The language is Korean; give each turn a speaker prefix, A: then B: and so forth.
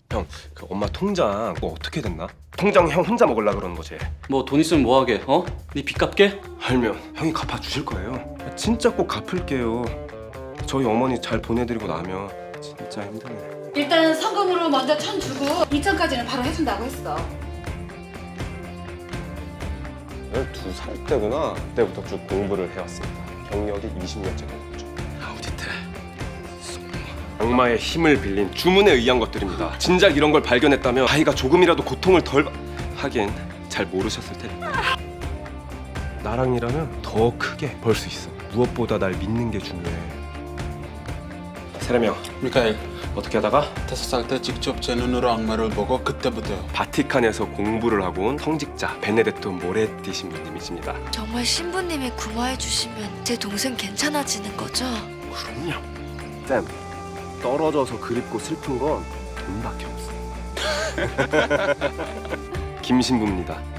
A: 형, 그 엄마 통장 뭐 어떻게 됐나? 통장 형 혼자 먹으려 그러는 거지.
B: 뭐 돈 있으면 뭐하게? 어? 네 빚 갚게?
A: 알면 형이 갚아주실 거예요. 진짜 꼭 갚을게요. 저희 어머니 잘 보내드리고 나면 진짜 힘드네.
C: 일단 성금으로 먼저 1,000 주고 2,000까지는 바로 해준다고 했어.
A: 12살 때구나. 그때부터 쭉 공부를 해왔습니다. 경력이 20년째 됐죠. 아우디트. 악마의 힘을 빌린 주문에 의한 것들입니다. 진작 이런 걸 발견했다면 아이가 조금이라도 고통을 덜 하긴 잘 모르셨을 테니. 나랑 일하면 더 크게 벌 수 있어. 무엇보다 날 믿는 게 중요해. 세례명
D: 미카엘,
A: 어떻게 하다가
D: 5살 때 직접 제 눈으로 악마를 보고 그때부터요.
A: 바티칸에서 공부를 하고 온 성직자 베네데토 모레티 신부님이십니다.
E: 정말 신부님이 구마해 주시면 제 동생 괜찮아지는 거죠?
A: 그럼요. 쌤, 떨어져서 그립고 슬픈 건 돈밖에 없어. 김 신부입니다.